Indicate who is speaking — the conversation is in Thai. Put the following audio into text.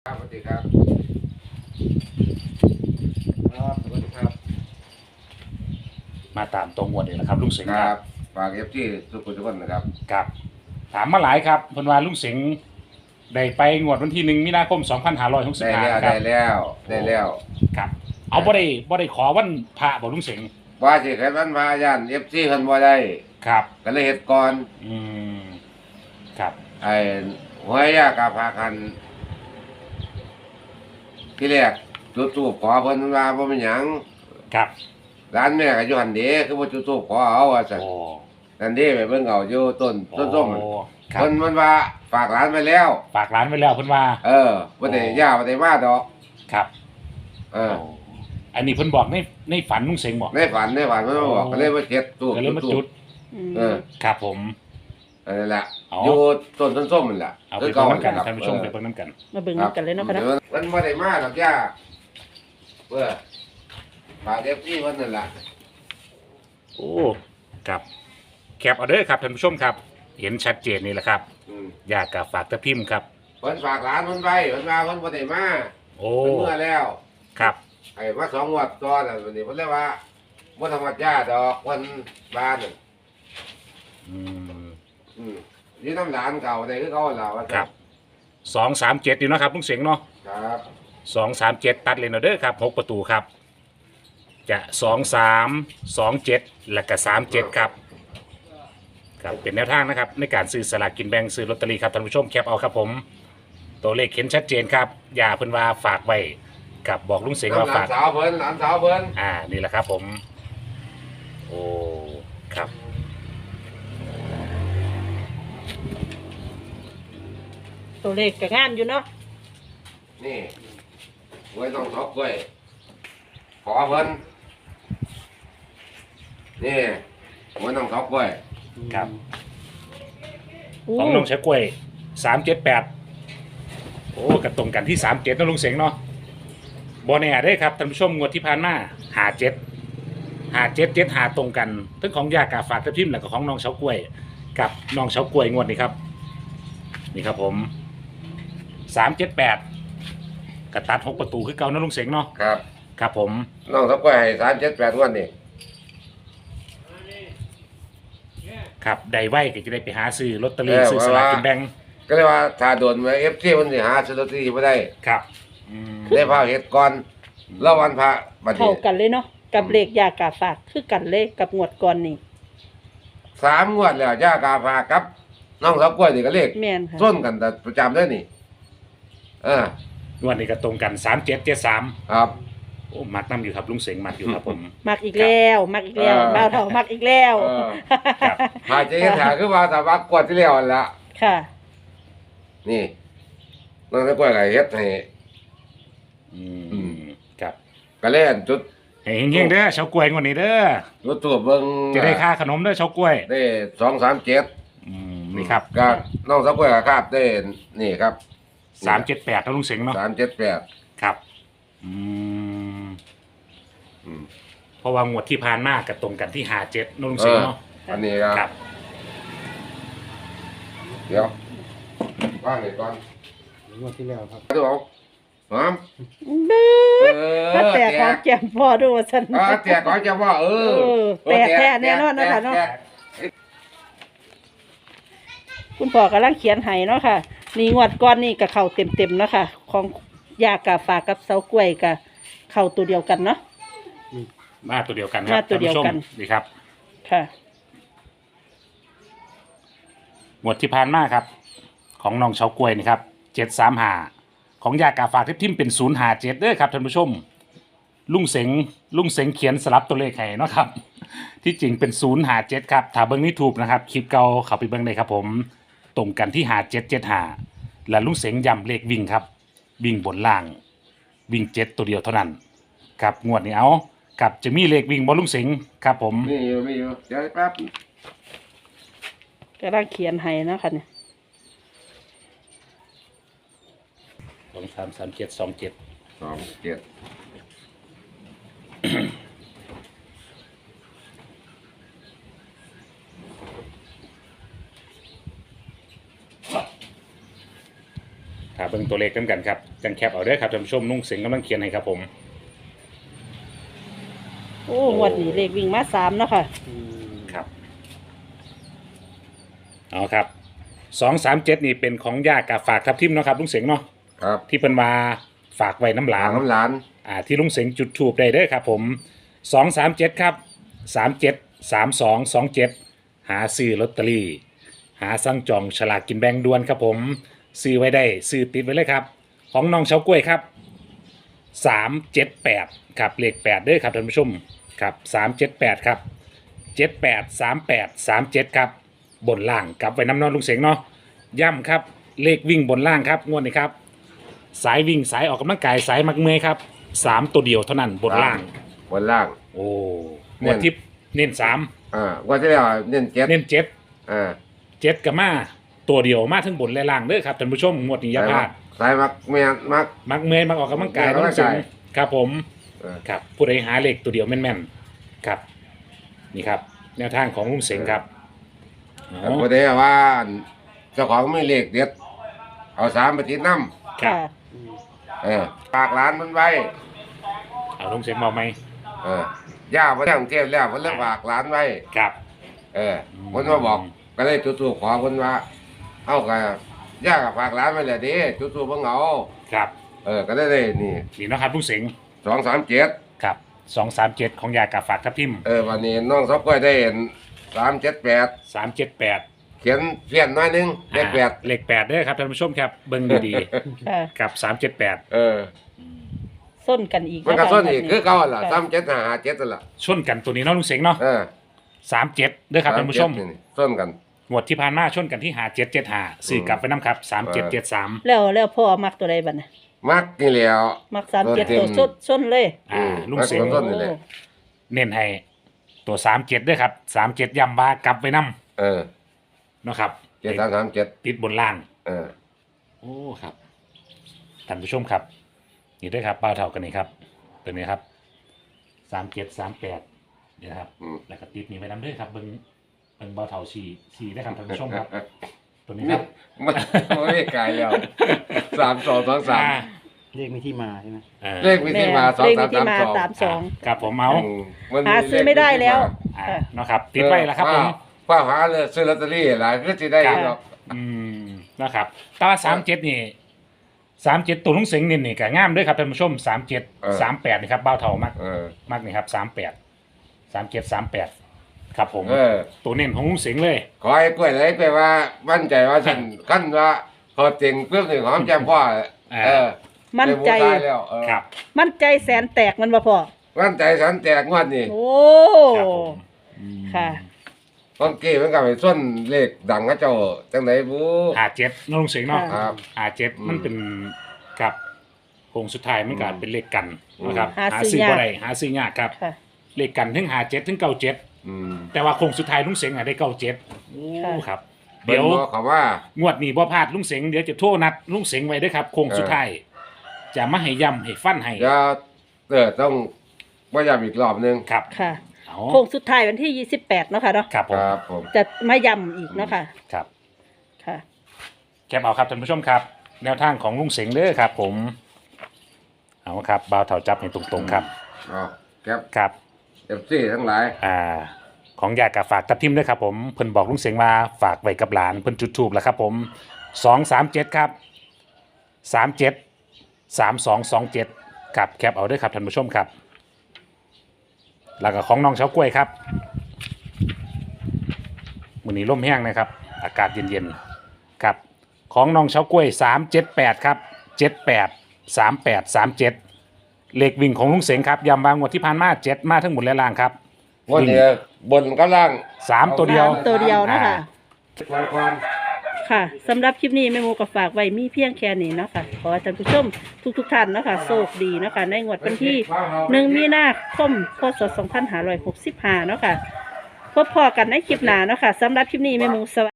Speaker 1: ครับสวัสดีครับครับสวัสดีครับ
Speaker 2: มาตามตรงงวดเลยนะครับลุงเสง
Speaker 1: ครับ
Speaker 2: ครับ
Speaker 1: ฝากที่ทุกคนทุกคนนะครับ
Speaker 2: ครับถามมาหลายครับเพิ่นว่าลุงเสงได้ไปงวดวันที่1 มีนาคม
Speaker 1: ได้
Speaker 2: 2565
Speaker 1: แล้ว
Speaker 2: ครับ
Speaker 1: ได้แล้ว
Speaker 2: ครับเอาบ่ได้ขอวันพระบ่ลุงเสง
Speaker 1: ว่าสิใครมันพาย่านFCเพิ่นบ่ได้
Speaker 2: ครับ
Speaker 1: ก็เลยเฮ็ดก่อน
Speaker 2: อืมครับ
Speaker 1: ไอ้หวยยากาพากันที่แรกจุดธูปขอเพิ่นว่าบ่เป็นหยัง
Speaker 2: ครับ
Speaker 1: ร้านแม่ก็อยู่หั่นเด้คือบ่จุดธูปขอเอาว่าซั่น
Speaker 2: โอ้
Speaker 1: นั่นเด้ไปเบิ่งเอาอยู่ต้นส้มมัน
Speaker 2: ครับ
Speaker 1: เพิ่นมันว่าฝากร้านไว้แล้ว
Speaker 2: ฝากร้านไว้แล้วเพิ่นว่า
Speaker 1: บ่ได้ย่าบ่ได้มาดอก
Speaker 2: ครับ
Speaker 1: เออ
Speaker 2: โอ้อันนี้เพิ่นบอกในฝันลุงเสงบอก
Speaker 1: ในฝันมันมาบอกก็เลยมาเฮ็ดธูป
Speaker 2: ก็เลยมาจุด
Speaker 1: เออ
Speaker 2: ครับผม
Speaker 1: นั่นแหละ
Speaker 2: เอา
Speaker 1: อยู่ต้นส้มๆมันแหละ
Speaker 2: เอาไปเบิ่งน้ำกันท่านผู้ชมไปเบิ่งน้ำกัน
Speaker 3: มาเบิ่งกันเลยเนาะค่ะเนาะ
Speaker 1: มันไม่ได้มาหรอกย่าเพื่อฝากเอฟซีมันนั่นแหละ
Speaker 2: โอ้ครับแคปเอาเด้อครับท่านผู้ชมครับ เห็นชัดเจนนี่แหละครับ อยากกับฝากตะพิมพ์ครับ
Speaker 1: เพิ่นฝากร้านเพิ่นไปเพิ่นมาเพิ่นไม่ได้มา
Speaker 2: โอ้
Speaker 1: เพิ่นเมื่อแล้ว
Speaker 2: ครับ
Speaker 1: ไอ้มา2 งวดตอนน่ะวันนี้เพิ่นเลยว่าบ่ธรรมดาดอกเพิ่นบ้านน่ะ
Speaker 2: อืม
Speaker 1: อืมอยู่น้ำหลานเก่าได้คือเขาล่ะว่า
Speaker 2: ครับ237อยู่เนาะครับลุงเสียงเนาะ
Speaker 1: ครับ
Speaker 2: 237ตัดเลยเนาะเด้อครับ6 ประตูครับ จะ23 27และก็37ครับครับเป็นแนวทางนะครับในการซื้อสลากกินแบ่งซื้อลอตเตอรี่ครับท่านผู้ชมแคปเอาครับผมตัวเลขเห็นชัดเจนครับอย่าเพิ่นว่าฝากไว้กับบอกลุงเสียงว่า
Speaker 1: น้ำหลา
Speaker 2: ฝาน ก
Speaker 1: สาวเพิ่นหลานสาวเพิ่น
Speaker 2: นี่แหละครับผม โอ้ ครับ
Speaker 3: ตัวเลขก็งามอยู่เนาะ
Speaker 1: นี่ไว้ต้องทอกไว้ขอเพิ่นนี่ไว้ต้องทอกไว้
Speaker 2: ครับ
Speaker 3: อู้
Speaker 2: ของน้องเฉกล้วย378โอ้กระตรงกันที่37นะลุงเสียงเนาะบอแน่ได้ครับท่านผู้ชมงวดที่ผ่านมา57หาตรงกันทั้งของยากาฝากทับทิมและก็ของน้องเฉากล้วย กับน้องเฉากล้วยงวดนี้ครับ นี่ครับผม378กระตัด6 ประตูคือเก่านะลุงเสียงเนาะ
Speaker 1: ครับ
Speaker 2: ครับผม
Speaker 1: น้องทอกไว้ให้378วันนี่
Speaker 2: ครับได้ไว้ก็จะได้ไปหาซื้อลอตเตอรี่ซื้อสลากกินแบ่ง
Speaker 1: ก็เลยว่าถ้าโดนมาFCมันสิหาซื้อลอตเตอรี่บ่ได้
Speaker 2: ครับ
Speaker 1: ได้พาเฮ็ดก่อนแล้ววันพระบัด
Speaker 3: เข้า
Speaker 1: นี้
Speaker 3: กันเลยเนาะกับเลขยากาฝากคือกันเลยกับงวดก่อนนี่
Speaker 1: 3 งวดแล้วย่ากาพากับน้องสาวกล้วยนี่ก็เลข
Speaker 3: แม่นค่ะ
Speaker 1: ส้นกันแต่ประจำเด้อนี่
Speaker 2: งวดนี้ก็ตรงกัน3773
Speaker 1: ครับ
Speaker 2: โอ้มักน้ำอยู่ครับลุงเสงมักอยู่ครับผม
Speaker 3: มักอีกแล้วบ่าวเฒ่ามักอีกแล้ว
Speaker 2: ครับ
Speaker 1: หาใจเฮ็ดหาคือว่าถ้าว่ากวดที่แล้วนั่นละ
Speaker 3: ค่ะ
Speaker 1: นี่น้องสาวกล้วยก็เฮ็ดให้
Speaker 2: ครับ
Speaker 1: ก็เล่นจุด
Speaker 2: ให้เฮงๆเด้อเฉากล้วยงวดนี้เด้อ
Speaker 1: จุดตัวเบิ่ง
Speaker 2: จะได้ค่าขนมเด้อเฉากล้วย
Speaker 1: ได้237
Speaker 2: นี่ครับ
Speaker 1: ก็น้องสาวกล้วยก็คาดได้นี่ครับ
Speaker 2: 378นะลุงเสงเนาะ
Speaker 1: 378
Speaker 2: ครับเพราะว่างวดที่ผ่านมาก็ตรงกันที่57นะลุงเสงเนาะ
Speaker 1: อันนี้
Speaker 2: ค
Speaker 1: ค
Speaker 2: รั
Speaker 1: รับ บเดี๋ยวว่างเลยก่อน
Speaker 4: งวดที่แล้วครับ
Speaker 1: ดูเอาหอม
Speaker 3: เบ้อถ้าแตกของแก้มพอดูว่าซั่น
Speaker 1: แตกก่อนจะว่า
Speaker 3: แตกแท้แน่นอนนะคะเนาะ คุณพ่อกำลังเขียนให้เนาะค่ะ นี่งวดก่อนนี่ก็เข้าเต็มๆเนาะค่ะ ของยากาฝากกับเสากล้วยก็เข้าตัวเดียวกันเนาะ
Speaker 2: มาตัวเดียวกันครั
Speaker 3: มา
Speaker 2: บ
Speaker 3: ตัวเดียวกัน
Speaker 2: ท่าผู้ชมนี่ครับ
Speaker 3: ค่ะ
Speaker 2: งวดที่ผ่านมาครับ ของน้องเฉากล้วยนี่ครับ735ของยากาฝากทิมเป็น057เด้อครับท่านผู้ชม ลุงเสงเขียนสลับตัวเลขให้เนาะครับ ที่จริงเป็น057ครับถ้าเบิ่งนี่ถูกนะครับคลิปเก่าเข้าไปเบิ่งได้ครับผมตรงกันที่5775และลุงเสงย้ำเลขวิ่งครับ วิ่งบนล่าง วิ่ง7ตัวเดียวเท่านั้นครับงวดนี้เอากับจะมีเลขวิ่งบ่ลุงเสงครับผม
Speaker 1: มีอยู่เดี๋ยวแป๊บ
Speaker 3: กำลังเขียนให้เนาะค่ะเนี่ย
Speaker 2: 233727
Speaker 1: 27
Speaker 2: เบิ่งตัวเลขกันครับจังแคปเอาเด้อครับท่านผู้ชมลุงเสงกำลังเขียนให้ครับผม
Speaker 3: โอ้งวดนี้เลขวิ่งมา3เนาะค่ะ
Speaker 2: ครับเอาครับ237นี่เป็นของย่ากับฝากทับทิมเนาะครับลุงเสงเนาะ
Speaker 1: ครับ
Speaker 2: ที่เพิ่นมาฝากไว้น้ำหลา
Speaker 1: หาน น้ำหลาน
Speaker 2: ที่ลุงเสงจุดถูกได้เด้อครับผม237ครับ37 32 27หาซื้อลอตเตอรี่หาสั่งจองฉลากกินแบ่งด่วนครับผมซื้อไว้ได้ซื้อติดไว้เลยครับของน้องเฉากล้วยครับ378ครับเลข8เด้อครับท่านผู้ชมครับ378ครับ78 38 37ครับบนล่างกลับไว้น้ำนอนลุงเสงเนาะย่ำครับเลขวิ่งบนล่างครับงวดนี้ครับสายวิ่งสายออกกำลังกายสายมักเมอยครับ3ตัวเดียวเท่านั้นบนล่าง
Speaker 1: บนล่าง
Speaker 2: โอ้งวดที่เน้น3
Speaker 1: ว่าที่แล้วเน้นเจ็ด
Speaker 2: เน้น7กับมาตัวเดียวมาทั้งบนและล่างเด้อครับท่านผู้ชมงวดนี้อย่าพลาด
Speaker 1: สายมักแม่นมัก
Speaker 2: มักเมอยมักออกกำลังกาย
Speaker 1: ออกกำลังกาย
Speaker 2: ต้องสูงครับผม
Speaker 1: เออ
Speaker 2: ครับผู้ใดหาเลขตัวเดียวแม่นๆครับนี่ครับแนวทางของลุงเสงครับอ๋อ
Speaker 1: พอดีว่าเจ้าของไม่เลขเด็ดเอา3ไปติดน้
Speaker 2: ครับ
Speaker 1: ำฝากร้านมันไว้
Speaker 2: เอาลุงเสงบอกไหม
Speaker 1: ย่ามาทั้งเทพแล้วมันเลยฝากร้านไว้
Speaker 2: ครับ
Speaker 1: มันมาบอกก็เลยจุดทูปขอคนว่าเอากับย่ากับฝากร้านไว้เลยดิจุดทูปเพิ่งเอา
Speaker 2: ครับ
Speaker 1: ก็ได้นี่
Speaker 2: นี่เนาะครับลุงเสง
Speaker 1: 237
Speaker 2: ครับ237ของยากาฝากทับทิม
Speaker 1: วันนี้น้องซอกก้อยได้เห็น378
Speaker 2: 378
Speaker 1: เขียนเพี้ยนหน้อยนึงเลข8
Speaker 2: เลข8เด้อครับท่านผู้ชมครับเบิ่งดี
Speaker 3: ค่ะ
Speaker 2: ๆครับ378
Speaker 3: ส้นกันอีก
Speaker 1: มันก็
Speaker 3: ะคะ
Speaker 1: ส้นอีกคือเก่าล่ะ
Speaker 3: ค่ะ
Speaker 1: 3757นั่นล่ะ
Speaker 2: ชนกันตัวนี้เนาะลุงเสงเนาะ37เด้อครับท่านผู้ชม
Speaker 1: 37นี่ส้นกัน
Speaker 2: งวดที่ผ่านมาชนกันที่5775ซื้อกลับไปน้ำครับ3773
Speaker 3: แล้วพ่อมักตัวใดบัดน่ะ
Speaker 1: มักนี่แหล้ว
Speaker 3: มัก37ตัวส้นเลย
Speaker 2: ลุงเสง
Speaker 1: ต้นนี่แหละ
Speaker 2: เน้นให้ตัว37ด้วยครับ37ย้ำว่ากลับไปน้ำเนาะครับ
Speaker 1: 7337
Speaker 2: ติดบนล่าง
Speaker 1: เออ
Speaker 2: โอ้ครับท่านผู้ชมครับนี่ด้วยครับเป้าเท่ากันนี่ครับตัวนี้ครับ3738นี่นะครับแล้วก็ติดนี่ไปน้ำด้วยครับเบิ้งเป้าเท่า4นะครับท่านผู้ชมครับ ตัวนี้ครับ
Speaker 1: มันไม่ไกลแล้ว3223
Speaker 4: เลขมีที่มาใช่ไหม
Speaker 1: เลขมีที่มา
Speaker 3: เลขมีที่มา
Speaker 1: 2332
Speaker 2: ครับผมเอา
Speaker 3: หาซื้อไม่ได้แล้ว
Speaker 2: เนาะครับติดไว้แล้วครับผม
Speaker 1: ป้าหาเลยซื้อลอตเตอรี่หลายก็สิได้หรอก
Speaker 2: นะครับแต่ว่า37นี่37ตัวลุงเสงนี่ก็งามด้วยครับท่านผู้ชม37 38นี่ครับเบ้าเท่ามากมากนี่ครับ38ครับผมตัวเน้นของลุงเสงเลย
Speaker 1: ขอให้กล้วยไหลไปว่ามั่นใจว่าฉันขั้นว่าพอจริงเพื่อนหนึ่งหอมแจ่มพ่อ
Speaker 3: มั่นใจ
Speaker 1: แล้ว
Speaker 2: ครับ
Speaker 3: มั่นใจแสนแตกมันบ่พอ
Speaker 1: มั่นใจฉันแตกงวดนี่
Speaker 3: โอ้
Speaker 2: ครับผม
Speaker 3: ค่ะ
Speaker 1: ต้นกี้มันก็ไปส้นเลขดังก็เจ้าจังไหนบู
Speaker 2: 57น้องลุงเสงเนาะ
Speaker 1: ครับ
Speaker 2: 57มันเป็นกับโค้งสุดท้ายมันก็เป็นเลขกันนะครับ
Speaker 3: หาซื้อยาก
Speaker 2: บ่ได้หาซื้อยากครับ
Speaker 3: ค่ะ
Speaker 2: เลขกันถึง57ถึง97แต่ว่าโค้งสุดท้ายลุงเสงได้97โอ้ครับ
Speaker 1: เดี๋
Speaker 2: เดี๋
Speaker 1: ย
Speaker 2: ยว ว
Speaker 1: เขาว่า
Speaker 2: งวดนี้บ่พลาดลุงเสงเดี๋ยวจะโทรนัดลุงเสงไว้เด้วยครับโค้งสุดท้ายจะมาให้ย้ำให้ฟันให้
Speaker 1: จะต้องว่าย้ำอีกรอบนึง
Speaker 2: ครับ
Speaker 3: ค่ะ
Speaker 2: เอา
Speaker 3: โค้งสุดท้ายวันที่28เนาะค่ะเนาะ
Speaker 2: ครับผม
Speaker 1: ครับผม
Speaker 3: จะมาย้ำอีกเนาะค่ะ
Speaker 2: ครับ
Speaker 3: ค่ะ
Speaker 2: แคปเอาครับท่านผู้ชมครับ แนวทางของลุงเสงเด้อครับ ผมเอาครับบ่าวเถาจับให้ตรงๆครับ
Speaker 1: แก๊ป
Speaker 2: ครับ
Speaker 1: เอฟซีทั้งหลาย
Speaker 2: ของยากกับฝากทับทิมด้วยครับผมเพิ่นบอกลุงเสงมาฝากไว้กับหลานเพิ่นจุดทูบแล้วครับผม237ครับ37 3227กับแคปเอาด้วยครับท่านผู้ชมครับแล้วก็ของน้องเฉากล้วยครับมื้อนี้ลมแห้งนะครับอากาศเย็นๆครับของน้องเฉากล้วย378ครับ78 38 37เลขวิ่งของลุงเสงครับย้ำวางงวดที่ผ่านมา7มาทั้งหมดและล่างครับ
Speaker 1: วันนี้บนกับล่าง
Speaker 2: 3ตัวเดียว
Speaker 3: ตัวเดียวเนาะค่ะ
Speaker 1: ควัน
Speaker 3: ค่ะสำหรับคลิปนี้แม่หมูก็ฝากไว้มีเพียงแค่นี้เนาะค่ะขอให้ท่านผู้ชมทุกท่านเนาะค่ะโชคดีเนาะค่ะในงวดวันที่1มีนาคมพศ2565เนาะค่ะพบพอกันในคลิปหน้าเนาะค่ะสำหรับคลิปนี้แม่หมูสวัสดี